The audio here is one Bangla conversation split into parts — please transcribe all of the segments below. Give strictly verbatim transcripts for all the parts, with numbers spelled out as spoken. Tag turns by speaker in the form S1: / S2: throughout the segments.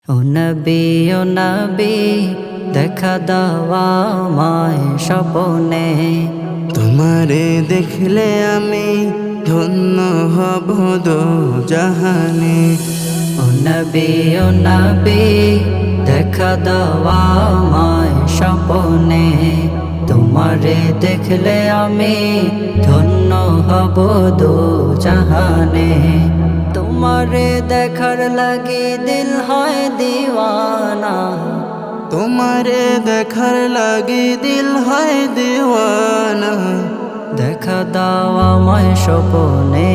S1: ও নবী ও নবী দেখা দাও আমায় স্বপ্নে,
S2: তোমারে দেখলে আমি ধন্য হব দো জাহানে।
S1: ও নবী ও নবী দেখা দাও আমায় স্বপ্নে, তোমারে দেখলে আমি ধন্য হব দো জাহানে। তোমারে দেখার লাগি দিল হয় দিওয়ানা,
S2: তোমারে দেখার লাগি দিল হয় দিওয়ানা।
S1: দেখা দাও আমায় স্বপ্নে,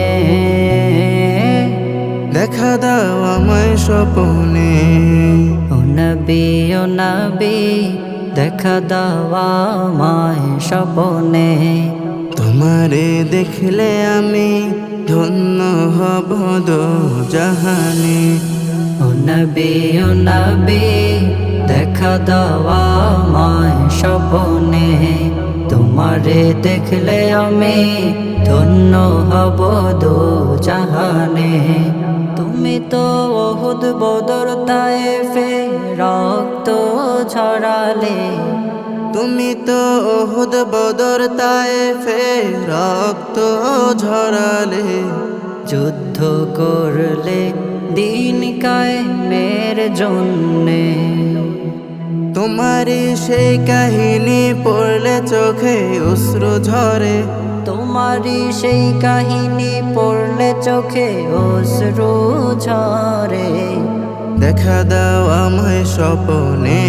S2: দেখা দাও আমায় স্বপ্নে।
S1: ও নবী ও নবী দেখা দাও আমায় স্বপ্নে,
S2: তোমারে দেখলে আমি ধন্য হব দো জাহানে।
S1: ও নবী ও নবী দেখা দাও আমায় স্বপ্নে, তোমারে দেখলে আমি ধন্য হব দো জাহানে। তুমি তো ওহুদ বদর তায়েফে রক্ত ঝরালে,
S2: তুমি তো ওহুদ বদর তায়েফে রক্ত ঝরালে।
S1: যুদ্ধ করলে দিন কায়েমের জন্যে,
S2: তোমারি সেই কাহিনী পড়লে চোখে অশ্রু ঝরে।
S1: তোমারই সেই কাহিনী পড়লে চোখে অশ্রু ঝরে।
S2: দেখা দাও আমায় স্বপ্নে,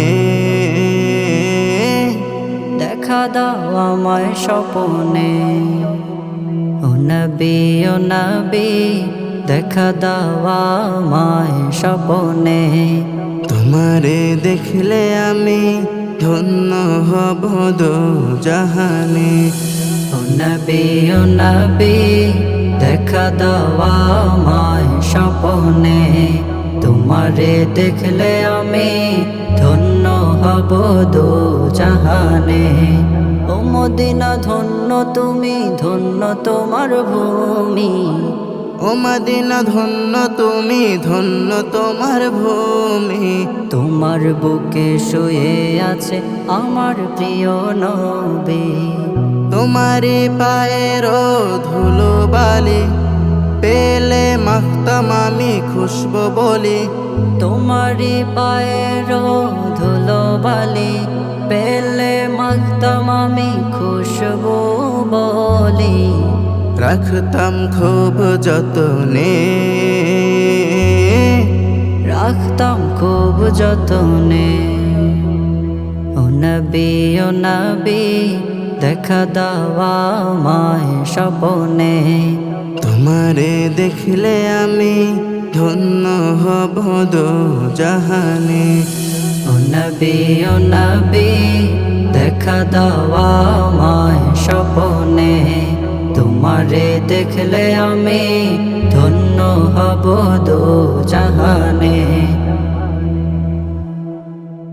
S1: দেখা দাও আমায় স্বপ্নে, ও নবী ও নবী দেখা দাও আমায় স্বপ্নে,
S2: তোমারে দেখলে আমি ধন্য হব দো জাহানে।
S1: ও নবী ও নবী দেখা দাও আমায় স্বপ্নে, তোমারে দেখলে আমি ধন্য হব দো জাহানে। ও মদিনা ধন্য তুমি, ধন্য তোমার ভূমি,
S2: ও মদিনা ধন্য তুমি, ধন্য তোমার ভূমি।
S1: তোমার বুকে শুয়ে আছে আমার প্রিয় নবী,
S2: তোমারি পায়ের ধুলো বালি পেলে মাখতাম আমি খুশবু বলি।
S1: তোমারি পায়ের ধুলো বালি পেলে মাখতাম আমি খুশবু বলি।
S2: রাখতাম খুব যতনে,
S1: রাখতাম খুব যতনে, ও নবী ও নবী দেখা দাও আমায় স্বপ্নে,
S2: তোমারে দেখলে আমি ধন্য হব দো জাহানে।
S1: ও নবী ও নবী দেখা দাও আমায় স্বপ্নে, তোমারে দেখলে আমি ধন্য হব দো জাহানে।